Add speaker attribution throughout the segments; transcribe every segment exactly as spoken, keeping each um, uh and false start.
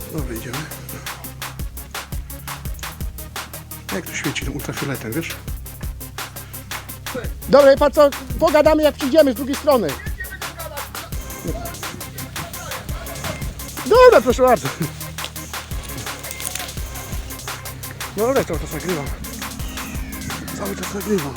Speaker 1: No wyjdziemy. Jak to świeci tym ultrafioletem, wiesz? Dobra, pan co, pogadamy jak przyjdziemy z drugiej strony. Dobra, proszę bardzo. Dobra, cały czas nagrywam. Cały czas nagrywam.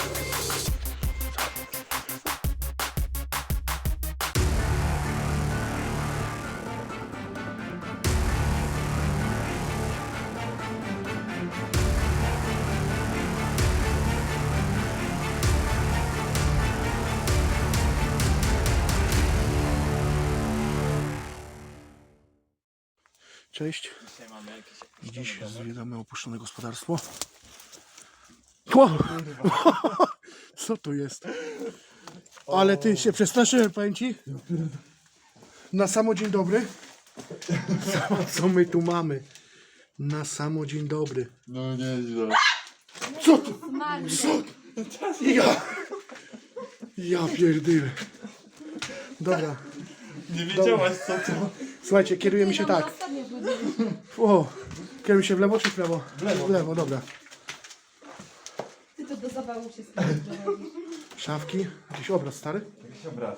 Speaker 1: Cześć. Dziś zwiedzamy opuszczone gospodarstwo. Wow. Co to jest? Ale ty się przestraszyłem, powiem ci. Na samo dzień dobry. Co my tu mamy? Na samo dzień dobry.
Speaker 2: No nieźle.
Speaker 1: Co to? Co? Ja. Ja pierdolę. Dobra.
Speaker 2: Nie wiedziałaś co to?
Speaker 1: Słuchajcie, kierujemy się tak. O, kierujemy się w lewo czy w prawo? W lewo. W lewo, dobra.
Speaker 3: Ty to do zawału się sprowadzisz.
Speaker 1: Szafki, jakiś obraz stary?
Speaker 2: Jakiś obraz.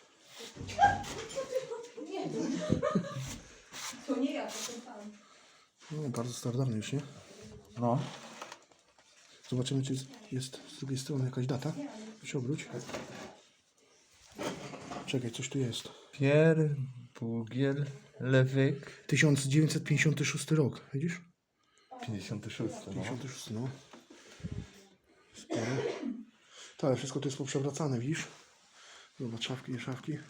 Speaker 3: Nie, to nie ja, to ten pan.
Speaker 1: No, bardzo starodawny już, nie?
Speaker 2: No.
Speaker 1: Zobaczymy, czy jest z drugiej strony jakaś data. Się obróć. Czekaj, coś tu jest.
Speaker 2: Pier Bugiel Lewyk.
Speaker 1: tysiąc dziewięćset pięćdziesiąty szósty rok, widzisz?
Speaker 2: pięćdziesiąty szósty. No.
Speaker 1: pięćdziesiąty szósty, no. Sporo. To, ale wszystko to jest poprzewracane, widzisz? Zobacz, szafki, nie szafki.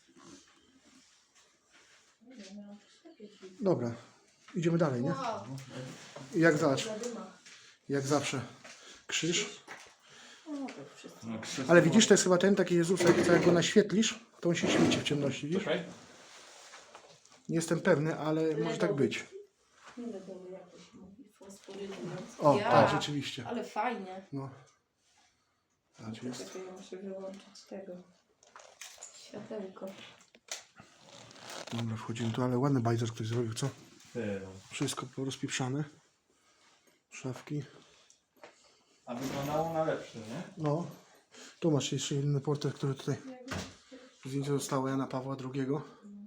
Speaker 1: Dobra, idziemy dalej, nie? Jak zawsze. Jak zawsze. Krzyż.
Speaker 2: No, krzyż.
Speaker 1: Ale widzisz, to jest chyba ten taki Jezusek, co jak go naświetlisz, to on się świeci w ciemności, widzisz?
Speaker 2: Czekaj.
Speaker 1: Nie jestem pewny, ale może tak być.
Speaker 3: Ledowy jakoś mówi, fosforyny.
Speaker 1: O,
Speaker 3: Ja,
Speaker 1: tak, rzeczywiście.
Speaker 3: ale fajnie.
Speaker 1: No. Tak jest.
Speaker 3: Czekaj, ja muszę wyłączyć tego. Światełko.
Speaker 1: Dobra, wchodzimy tu, ale ładny bajzer ktoś zrobił, co?
Speaker 2: Ty.
Speaker 1: Wszystko porozpieprzane. Szafki.
Speaker 2: A wyglądało na lepszy, nie?
Speaker 1: No. Tu masz jeszcze inny portret, który tutaj... Zdjęcie zostało Jana Pawła drugiego.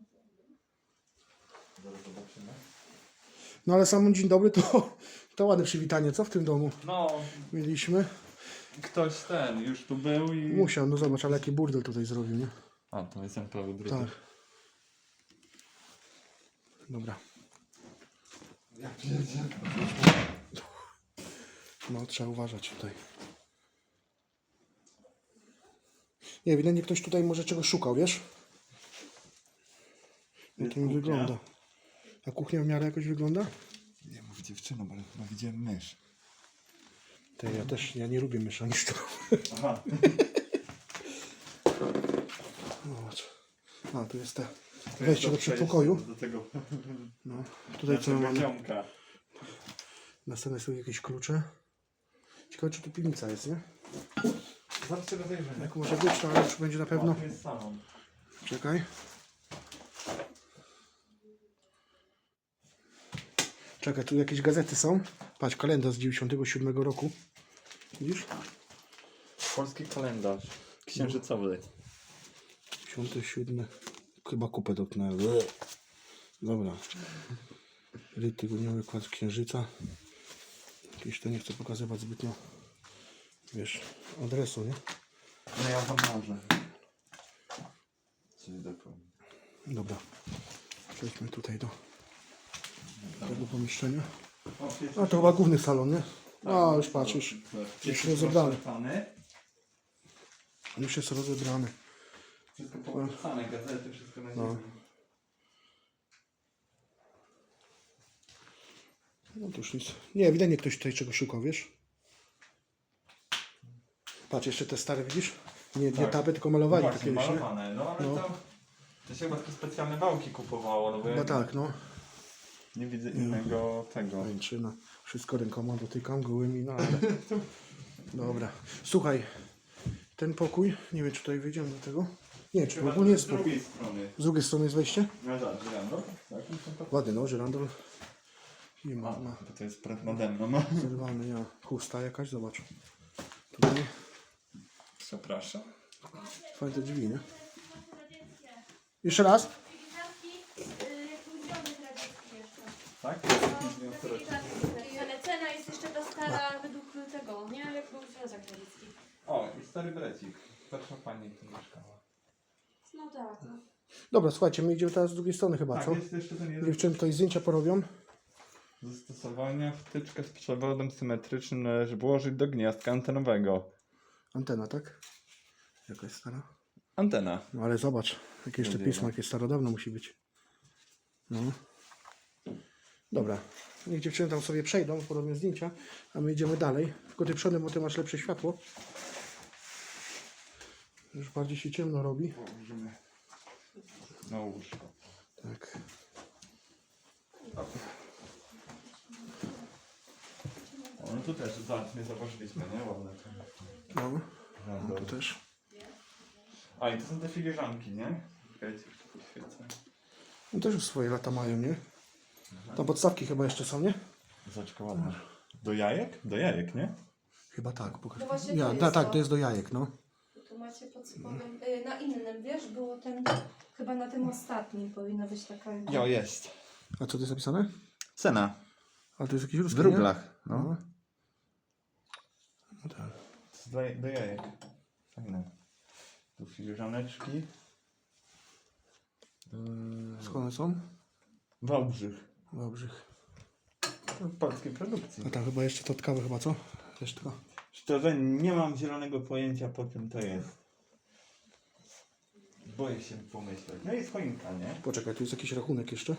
Speaker 2: Zaraz zobaczymy.
Speaker 1: No ale sam dzień dobry to, to ładne przywitanie, co w tym domu
Speaker 2: No,
Speaker 1: mieliśmy?
Speaker 2: ktoś ten już tu był i...
Speaker 1: Musiał, no zobacz, ale jaki burdel tutaj zrobił, nie?
Speaker 2: A, to jest ten prawy drugi.
Speaker 1: Tak. Dobra.
Speaker 2: Ja pierdzielę.
Speaker 1: No, trzeba uważać tutaj. Nie, ewidentnie ktoś tutaj może czegoś szukał, wiesz? Jak to mi
Speaker 2: kuchnia.
Speaker 1: wygląda. A kuchnia w miarę jakoś wygląda?
Speaker 2: Nie mów dziewczyną, ale chyba widziałem mysz.
Speaker 1: Te, ja też, ja nie lubię mysza niż to.
Speaker 2: Aha.
Speaker 1: Zobacz. A, tu jest te wejście do przedpokoju.
Speaker 2: Do tego.
Speaker 1: No, tutaj co mamy?
Speaker 2: Ziomka.
Speaker 1: Następne są jakieś klucze. Ciekawe, czy tu piwnica jest, nie?
Speaker 2: Zawsze rozejrzymy.
Speaker 1: Jak może być, to ale już będzie na pewno.
Speaker 2: O, tu jest salon.
Speaker 1: Czekaj. Czekaj, tu jakieś gazety są. Patrz, kalendarz z dziewięćdziesiątego siódmego roku. Widzisz?
Speaker 2: Polski kalendarz. Księżycowy.
Speaker 1: dziewięćdziesiąty siódmy. Chyba kupę dotknąłem. Dobra. Ryt tygodniowy, kład księżyca. Jakieś to nie chcę pokazywać zbytnio. Wiesz, adresu, nie?
Speaker 2: No ja wam może. Czyli dokładnie.
Speaker 1: Dobra. Przejdźmy tutaj do tego pomieszczenia.
Speaker 2: O,
Speaker 1: A to chyba główny salon, nie? No, już patrz, już, już rozebrany. Już jest rozebrany.
Speaker 2: Wszystko połączone, gazety, wszystko na
Speaker 1: No.
Speaker 2: ziemi.
Speaker 1: No to już nic. Nie, ewidentnie ktoś tutaj czegoś szukał, wiesz? Patrz, jeszcze te stare, widzisz? Nie, nie
Speaker 2: Tak.
Speaker 1: tapy, tylko malowali
Speaker 2: No
Speaker 1: to
Speaker 2: właśnie,
Speaker 1: kiedyś, nie?
Speaker 2: malowane. No ale
Speaker 1: No.
Speaker 2: to... To się chyba takie specjalne wałki kupowało, no bo ja
Speaker 1: No tak, no.
Speaker 2: nie widzę innego tego.
Speaker 1: Ręczyna. Wszystko rękoma dotykam, gołymi, no ale... Dobra. Słuchaj, ten pokój, nie wiem czy tutaj wyjdziemy do tego. Nie, czy
Speaker 2: Chyba
Speaker 1: ogólnie
Speaker 2: z
Speaker 1: jest...
Speaker 2: drugiej strony.
Speaker 1: Z drugiej strony jest wejście?
Speaker 2: No tak, żyrandol? Tak, no to-
Speaker 1: Ładny, no, żyrandol. I ma,
Speaker 2: A,
Speaker 1: ma
Speaker 2: bo to jest praw nade mną. No.
Speaker 1: zerwany, ja. Chusta jakaś, zobacz. Tutaj
Speaker 2: Przepraszam.
Speaker 1: fajne te drzwi, nie? Jeszcze raz?
Speaker 2: Tak?
Speaker 3: Ale cena jest jeszcze ta stara według tego, nie? Jak był Związek Radziecki.
Speaker 2: O, i stary brecik. Starsza pani tu mieszkała.
Speaker 3: No tak, no.
Speaker 1: Dobra, słuchajcie, my idziemy teraz z drugiej strony chyba,
Speaker 2: Tak,
Speaker 1: co?
Speaker 2: jest jeszcze ten jeden.
Speaker 1: Dziewczyny tutaj zdjęcia porobią.
Speaker 2: Zastosowania wtyczkę z przewodem symetrycznym należy włożyć do gniazdka antenowego.
Speaker 1: Antena, tak? Jaka jest stara?
Speaker 2: Antena.
Speaker 1: No ale zobacz, jakie jeszcze
Speaker 2: Będzie,
Speaker 1: pismo,
Speaker 2: no.
Speaker 1: jakie starodawno musi być. No. Dobra, niech dziewczyny tam sobie przejdą, porobią zdjęcia, a my idziemy dalej. Tylko ty przodem, bo ty masz lepsze światło. Już bardziej się ciemno robi.
Speaker 2: Położymy na łóżko.
Speaker 1: Tak.
Speaker 2: O, no tu też, zobacz, nie zobaczyliśmy, nie? Ładne to.
Speaker 1: No,
Speaker 2: No,
Speaker 1: no tu
Speaker 2: dobrze.
Speaker 1: też.
Speaker 2: A i to są te filiżanki, nie? Czekajcie, jeszcze poświecę.
Speaker 1: No też już swoje lata mają, nie? Tam podstawki chyba jeszcze są, nie?
Speaker 2: Zobaczka ładna. Do jajek? Do jajek, nie?
Speaker 1: Chyba tak, pokaż.
Speaker 3: No właśnie
Speaker 1: Ja,
Speaker 3: to jest
Speaker 1: da, tak,
Speaker 3: to.
Speaker 1: to jest do jajek, no.
Speaker 3: Tu macie pod spodem, y, na innym, wiesz, było ten, chyba na tym ostatnim powinna być taka...
Speaker 2: Jo, jest.
Speaker 1: A co tu jest napisane?
Speaker 2: Cena.
Speaker 1: A to jest jakieś ruskie,
Speaker 2: W rublach.
Speaker 1: No.
Speaker 2: No.
Speaker 1: No tak.
Speaker 2: Do, do jajek. Fajne. Tu filiżaneczki. Yy,
Speaker 1: Skąd one są?
Speaker 2: Wałbrzych.
Speaker 1: Wałbrzych.
Speaker 2: To polskiej produkcji.
Speaker 1: A tam chyba jeszcze to tkawe chyba, co? Resztka.
Speaker 2: Szczerze nie mam zielonego pojęcia po czym to jest. Boję się pomyśleć. No jest choinka, nie?
Speaker 1: Poczekaj, tu jest jakiś rachunek jeszcze.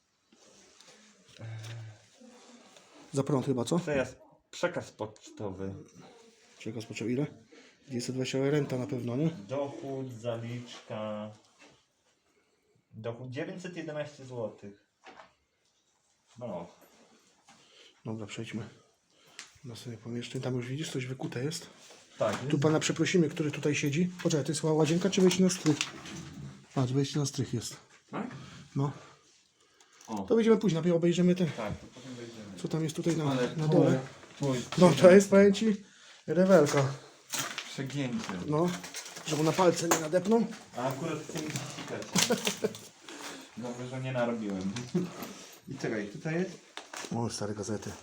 Speaker 1: Za prąd chyba, co?
Speaker 2: To jest przekaz pocztowy.
Speaker 1: Czego spoczął ile? dwieście dwadzieścia renta na pewno, nie?
Speaker 2: Dochód, zaliczka. Dochód dziewięćset jedenaście złotych. No.
Speaker 1: Dobra, przejdźmy. Na sobie pomieszczeń. Tam już widzisz, coś wykute jest.
Speaker 2: Tak.
Speaker 1: Tu pana przeprosimy, który tutaj siedzi. Poczekaj, to jest chyba łazienka czy wejście na strych? Patrz, wejście na strych jest.
Speaker 2: Tak?
Speaker 1: No.
Speaker 2: O.
Speaker 1: To wyjdziemy później, najpierw obejrzymy te,
Speaker 2: Tak, to potem wejdziemy.
Speaker 1: co tam jest tutaj na,
Speaker 2: Ale
Speaker 1: na
Speaker 2: tu-
Speaker 1: dole.
Speaker 2: tu-
Speaker 1: No to jest, powiem ci, rewelka.
Speaker 2: Przegięcie.
Speaker 1: No, żeby na palce nie nadepną.
Speaker 2: A akurat chcę mi się sikać. Dobrze, że nie narobiłem. I czekaj, tutaj jest.
Speaker 1: O, stare gazety.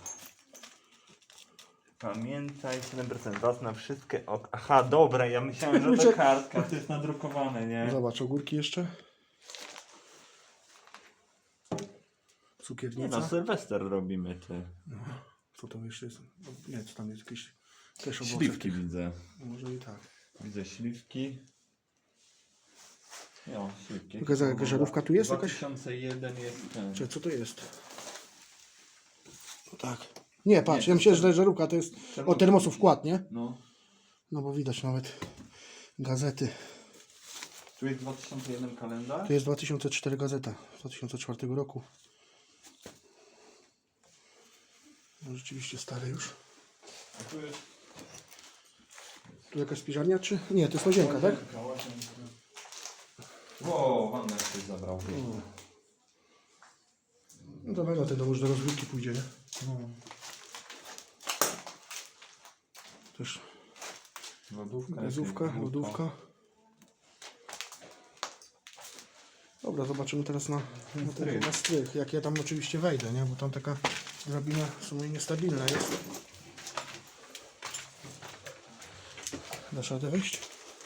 Speaker 2: Pamiętaj, siedem procent V A S na wszystkie ok. Aha, dobra, ja myślałem, że to
Speaker 1: Czek-
Speaker 2: kartka, to jest nadrukowane, nie?
Speaker 1: Zobacz, ogórki jeszcze.
Speaker 2: Nie
Speaker 1: Cukiernica.
Speaker 2: no, Sylwester robimy te.
Speaker 1: Co tam jeszcze jest? Nie, co tam jest jakieś też owoce.
Speaker 2: Śliwki widzę.
Speaker 1: Może i tak.
Speaker 2: Widzę śliwki. Jo, śliwki.
Speaker 1: Jaka- jaka żarówka tu jest jakaś?
Speaker 2: dwa tysiące jeden jest ten.
Speaker 1: Czy co to jest? No tak. Nie, patrz,
Speaker 2: Nie,
Speaker 1: ja myślę, że żarówka to jest
Speaker 2: Termos.
Speaker 1: o termosu wkład, nie?
Speaker 2: No.
Speaker 1: No bo widać nawet gazety.
Speaker 2: Tu jest dwa tysiące jeden kalendarz.
Speaker 1: To jest dwa tysiące cztery gazeta, z dwa tysiące czwartego roku. No rzeczywiście stare już.
Speaker 2: A tu jest...
Speaker 1: Tu jakaś spiżarnia, czy? Nie, to jest łazienka, tak?
Speaker 2: Łazienka, łazienka. Wow, wannę ktoś zabrał.
Speaker 1: O. No to mega, ten do może do rozgrywki pójdzie, nie?
Speaker 2: No.
Speaker 1: Też
Speaker 2: Lodówka.
Speaker 1: gazówka,
Speaker 2: jakieś
Speaker 1: lodówka. Dobra, zobaczymy teraz na, na ten
Speaker 2: Strych.
Speaker 1: chyba strych. Jak ja tam oczywiście wejdę, nie? Bo tam taka drabina w sumie niestabilna jest. Dasz radę wejść?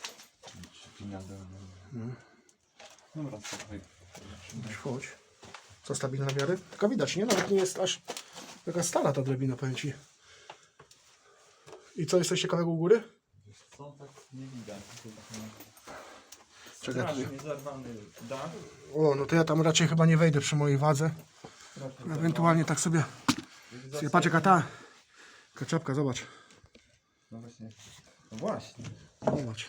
Speaker 2: No. Dobra, słuchaj.
Speaker 1: Weź chodź. Co, stabilna w miarę? Taka widać, nie? Nawet nie jest aż taka stara ta drabina, powiem ci. I co, jest coś ciekawego u góry?
Speaker 2: Co tak nie widać?
Speaker 1: Czekaj,
Speaker 2: Strasznie
Speaker 1: tutaj.
Speaker 2: zerwany dach.
Speaker 1: O, no to ja tam raczej chyba nie wejdę przy mojej wadze.
Speaker 2: Strasznie
Speaker 1: Ewentualnie tak sobie...
Speaker 2: zerwany.
Speaker 1: sobie patrz jaka ta... Taka czapka, zobacz.
Speaker 2: No właśnie. No właśnie.
Speaker 1: Zobacz.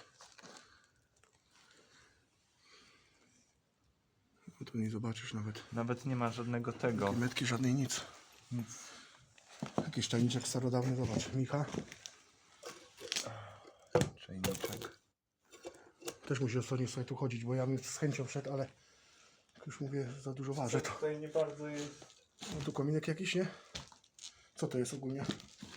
Speaker 1: No tu nie zobaczysz nawet.
Speaker 2: Nawet nie ma żadnego tego.
Speaker 1: Metki żadnej nic.
Speaker 2: Nic.
Speaker 1: Jakiś tajniczek starodawny, zobacz. Micha.
Speaker 2: Czajniczek.
Speaker 1: Też musi ostrożnie sobie tu chodzić, bo ja bym z chęcią wszedł, ale jak już mówię, za dużo ważę to.
Speaker 2: Tutaj nie bardzo jest.
Speaker 1: No tu kominek jakiś, nie? Co to jest ogólnie?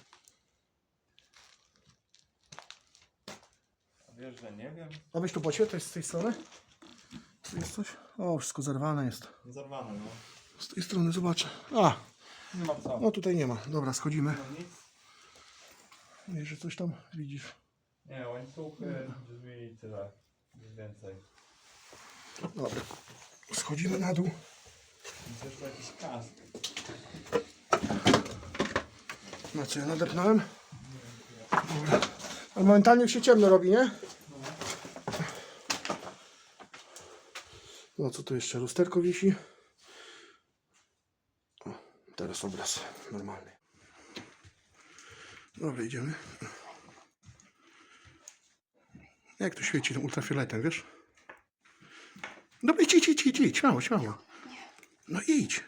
Speaker 2: Wiesz, że nie wiem.
Speaker 1: A weź tu poświetlać z tej strony. Tu jest coś? O, wszystko zerwane jest.
Speaker 2: Zarwane, no.
Speaker 1: Z tej strony zobaczę. A,
Speaker 2: Nie ma co.
Speaker 1: no tutaj nie ma. Dobra, schodzimy.
Speaker 2: No nic.
Speaker 1: Wiesz, że coś tam widzisz.
Speaker 2: Nie, łańcuchy, drzwi i tyle. Nic więcej.
Speaker 1: Dobra. Schodzimy na dół.
Speaker 2: Jest jeszcze jakiś kask.
Speaker 1: Na co ja nadepnąłem? Dobra. Ale momentalnie już się ciemno robi, nie? No co tu jeszcze? Lusterko wisi. O, teraz obraz normalny. Dobra, idziemy. Jak to świeci tym ultrafioletem, wiesz? Dobra, idź, idź, idź, idź, idź, śmiało, śmiało. No idź.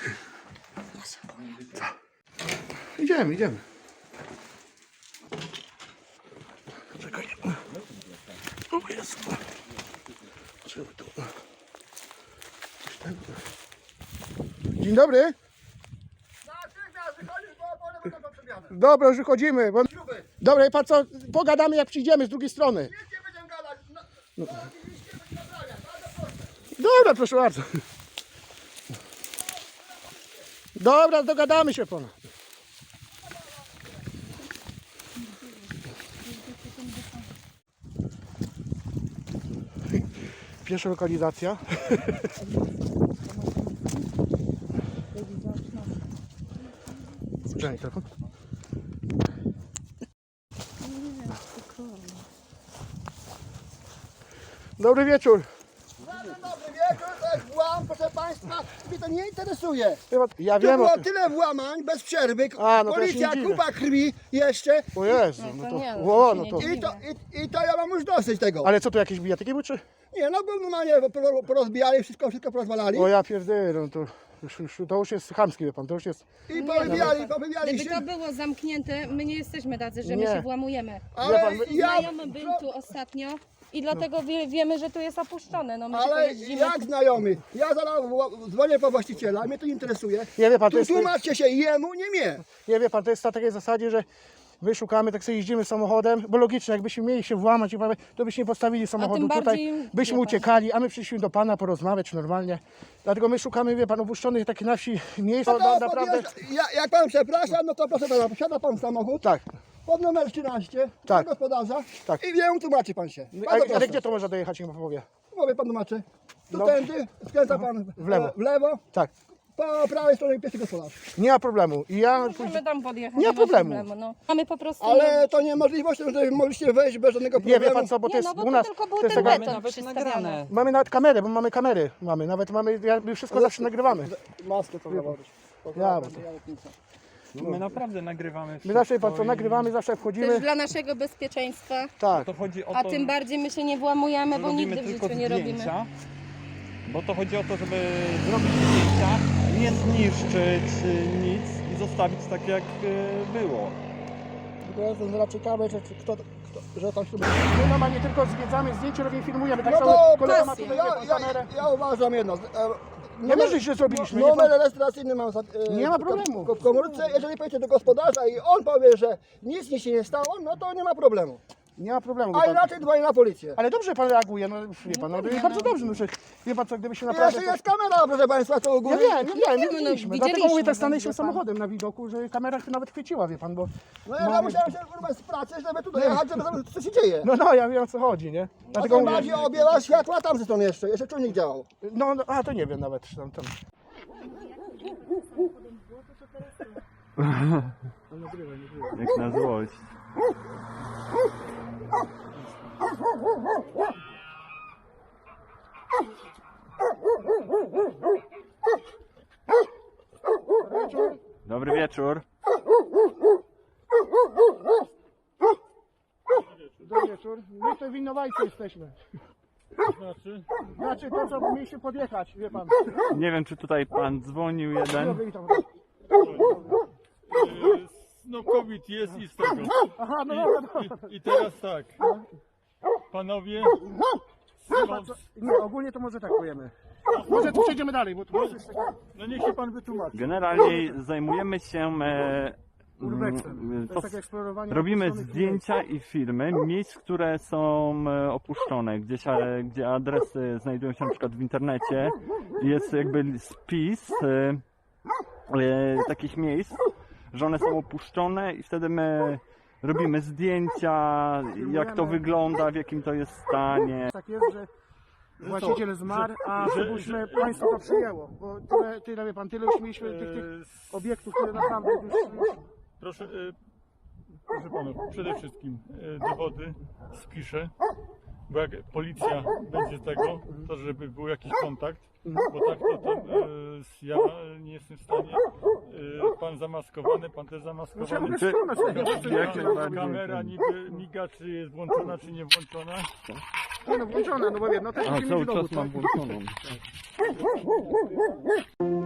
Speaker 1: Tak. Idziemy, idziemy. Czekaj. O Jezu. Trzeba tu. Coś tam. Dzień dobry. Dobra, już wychodzimy. Bo... Dobra, i pan co? Pogadamy jak przyjdziemy z drugiej strony. No. Dobra, proszę bardzo. Dobra, dogadamy się pana. Pierwsza lokalizacja. Sprzęgnie telefon. Dobry wieczór.
Speaker 4: Dobry wieczór, to jest włam, proszę Państwa, mnie to nie interesuje.
Speaker 1: Ja
Speaker 4: Tu
Speaker 1: wiem o
Speaker 4: było
Speaker 1: tym.
Speaker 4: tyle włamań bez przerwy,
Speaker 1: A, no to ja się
Speaker 4: policja,
Speaker 1: nie dziwię.
Speaker 4: kupa krwi jeszcze
Speaker 1: O Jezu,
Speaker 3: No
Speaker 1: no
Speaker 3: to
Speaker 1: to...
Speaker 3: nie, no
Speaker 1: O,
Speaker 3: to
Speaker 1: no
Speaker 3: się
Speaker 1: to...
Speaker 3: nie
Speaker 4: i to, i, i to ja mam już dosyć tego.
Speaker 1: Ale co tu jakieś bijatyki były czy?
Speaker 4: Nie, no bo normalnie por- porozbijali, wszystko, wszystko porozwalali.
Speaker 1: O ja pierdolę, no to już, już, to już jest chamskie, wie pan, to już jest...
Speaker 4: I powybijali, powybijali
Speaker 3: Gdyby to
Speaker 4: się.
Speaker 3: było zamknięte, my nie jesteśmy tacy, że my
Speaker 1: Nie.
Speaker 3: się włamujemy.
Speaker 1: Wie
Speaker 4: Ale
Speaker 1: pan, my-
Speaker 4: ja,
Speaker 3: Znajomy był tu ostatnio i dlatego wie, wiemy, że tu jest opuszczone. No my tylko
Speaker 4: ale
Speaker 3: jeździmy.
Speaker 4: jak znajomy, ja zaraz wła- dzwonię po właściciela, mnie to interesuje.
Speaker 1: Nie wie pan, to
Speaker 4: Tu
Speaker 1: jest...
Speaker 4: tłumaczcie się jemu, nie mnie.
Speaker 1: Nie wie pan, to jest na takiej zasadzie, że my szukamy, tak sobie jeździmy samochodem, bo logicznie, jakbyśmy mieli się włamać, i prawie, to byśmy nie postawili samochodu
Speaker 3: bardziej,
Speaker 1: tutaj, byśmy
Speaker 3: wie pan.
Speaker 1: uciekali, a my przyszliśmy do pana porozmawiać normalnie. Dlatego my szukamy, wie pan, opuszczonych takich na wsi miejsc,
Speaker 4: No
Speaker 1: na,
Speaker 4: to
Speaker 1: naprawdę...
Speaker 4: podjeżdża- ja, jak pan przepraszam, no to proszę pana, posiada pan samochód
Speaker 1: Tak,
Speaker 4: pod numer trzynaście,
Speaker 1: Tak.
Speaker 4: do gospodarza
Speaker 1: Tak.
Speaker 4: i wiem, tłumaczy pan się.
Speaker 1: ale,
Speaker 4: Bardzo
Speaker 1: ale
Speaker 4: proszę.
Speaker 1: gdzie to można dojechać, niech pan powie?
Speaker 4: Mówię pan tłumaczy. Tu
Speaker 1: No.
Speaker 4: tędy, skręca pan
Speaker 1: W lewo.
Speaker 4: e, w lewo,
Speaker 1: Tak,
Speaker 4: po prawej stronie pierwszy gospodarz.
Speaker 1: nie ma problemu. I ja
Speaker 3: Możemy tam podjechać.
Speaker 1: Nie ma problemu.
Speaker 3: no. Mamy po prostu...
Speaker 4: Ale to nie możliwość, że mogliście wejść bez żadnego
Speaker 1: nie
Speaker 4: problemu.
Speaker 1: wie pan co, bo to
Speaker 3: Nie,
Speaker 1: jest
Speaker 3: no bo
Speaker 1: u
Speaker 3: to
Speaker 1: nas...
Speaker 3: tylko był
Speaker 1: to jest
Speaker 3: ten
Speaker 1: taka-
Speaker 3: beton
Speaker 5: nawet
Speaker 3: przystawiony.
Speaker 5: nagrane.
Speaker 1: Mamy nawet kamerę, bo mamy kamery. Mamy, nawet mamy, ja, my wszystko zawsze nagrywamy.
Speaker 4: Maskę to założyć.
Speaker 1: Ja, bo to-
Speaker 2: My naprawdę nagrywamy.
Speaker 1: My zawsze, wie pan co,
Speaker 2: wszystko i-
Speaker 1: nagrywamy, zawsze jak
Speaker 3: Też
Speaker 1: wchodzimy.
Speaker 3: dla naszego bezpieczeństwa,
Speaker 1: Tak,
Speaker 2: To chodzi o
Speaker 3: a
Speaker 2: to,
Speaker 3: tym bardziej my się nie włamujemy,
Speaker 2: że
Speaker 3: bo
Speaker 2: robimy
Speaker 3: nigdy w
Speaker 2: tylko
Speaker 3: życiu nie robimy.
Speaker 2: zdjęcia. Bo to chodzi o to, żeby zrobić zdjęcia, nie zniszczyć y, nic i zostawić tak jak y, było.
Speaker 4: Tylko ja jestem zaraz ciekawy, że, czy kto, kto, że tam się...
Speaker 1: my normalnie tylko zwiedzamy, zdjęcie robimy, filmujemy. Tak
Speaker 4: No
Speaker 1: samo
Speaker 4: to
Speaker 1: kolega ma
Speaker 3: pasja.
Speaker 1: tutaj,
Speaker 4: ja,
Speaker 1: wie pan,
Speaker 4: ja,
Speaker 1: kamerę.
Speaker 4: ja uważam jedno. e,
Speaker 1: Nie wiem, że źle zrobiliśmy. nie
Speaker 4: Numer
Speaker 1: pan-
Speaker 4: rejestracyjny mam za- e,
Speaker 1: Nie ma
Speaker 4: w-
Speaker 1: problemu.
Speaker 4: w komórce. Jeżeli pojedziecie do gospodarza i on powie, że nic mi się nie stało, no to nie ma problemu.
Speaker 1: Nie ma problemu. wie
Speaker 4: A
Speaker 1: pan.
Speaker 4: inaczej dzwonię na policję.
Speaker 1: Ale dobrze pan reaguje, no wie pan, no, i bardzo dobrze, no, że wie pan co, gdyby się
Speaker 4: I
Speaker 1: naprawdę...
Speaker 4: jeszcze jest kamera, proszę państwa, to u
Speaker 1: Ja
Speaker 4: góry.
Speaker 1: wiem, ja wiem,
Speaker 3: no,
Speaker 1: nie widzieliśmy. Dlatego
Speaker 3: widzieliśmy,
Speaker 1: mówię, tak
Speaker 3: no,
Speaker 1: stanęliśmy
Speaker 3: wie pan.
Speaker 1: samochodem na widoku, że kamera się nawet chwyciła, wie pan, bo...
Speaker 4: No ja, ja musiałem się kurwa z pracy, żeby tu dojechać, żeby zobaczyć, co się dzieje.
Speaker 1: No, no, ja wiem o co chodzi, nie?
Speaker 4: A
Speaker 1: Dlatego
Speaker 4: tym
Speaker 1: mówię,
Speaker 4: bardziej objęła światła tam ze strony jeszcze, jeszcze czujnik działał.
Speaker 1: no, no, a to nie wiem nawet, czy tam, tam.
Speaker 2: Jak na złość. Dobry wieczór.
Speaker 1: Dobry wieczór. My tutaj winowajcy jesteśmy.
Speaker 5: Znaczy?
Speaker 1: Znaczy to, co mieliśmy podjechać, wie pan.
Speaker 2: Nie wiem, czy tutaj pan dzwonił jeden.
Speaker 1: Byli tam.
Speaker 5: No COVID jest i z tego.
Speaker 1: Aha, no
Speaker 5: I,
Speaker 1: dobra, dobra.
Speaker 5: i, I teraz tak. Panowie,
Speaker 1: Chyba co- Nie, ogólnie to może tak powiemy. Może tu przejdziemy dalej, bo tu jest jeszcze
Speaker 5: No niech się pan wytłumaczy.
Speaker 2: Generalnie zajmujemy się e,
Speaker 1: urbexem.
Speaker 2: mm,
Speaker 1: To
Speaker 2: to
Speaker 1: jest takie eksplorowanie.
Speaker 2: robimy
Speaker 1: opuszczonych
Speaker 2: zdjęcia i filmy miejsc, które są e, opuszczone, gdzieś, e, gdzie adresy znajdują się na przykład w internecie. Jest jakby spis e, e, takich miejsc, że one są opuszczone i wtedy my robimy zdjęcia, jak to wygląda, w jakim to jest stanie.
Speaker 1: Tak jest, że właściciel zmarł, a żebyśmy państwo to przyjęło. Bo tyle, tyle wie pan, tyle już mieliśmy tych, tych
Speaker 5: E, s-
Speaker 1: obiektów, które naprawdę już...
Speaker 5: Proszę, e, proszę panów, przede wszystkim e, dowody spiszę, bo jak policja będzie tego, to żeby był jakiś kontakt, bo tak to tam e, ja nie jestem w stanie, e, pan zamaskowany, pan też
Speaker 1: No ja
Speaker 5: zamaskowany.
Speaker 1: mogę
Speaker 2: Czy-
Speaker 1: ściągnąć tego.
Speaker 2: Jak najbardziej.
Speaker 5: Kamera niby miga, czy jest włączona, czy nie włączona.
Speaker 1: Nie no, włączona, no bo wiem, no też
Speaker 2: A
Speaker 1: musimy
Speaker 2: cały
Speaker 1: mieć dowód,
Speaker 2: czas mam
Speaker 1: tak?
Speaker 2: włączoną.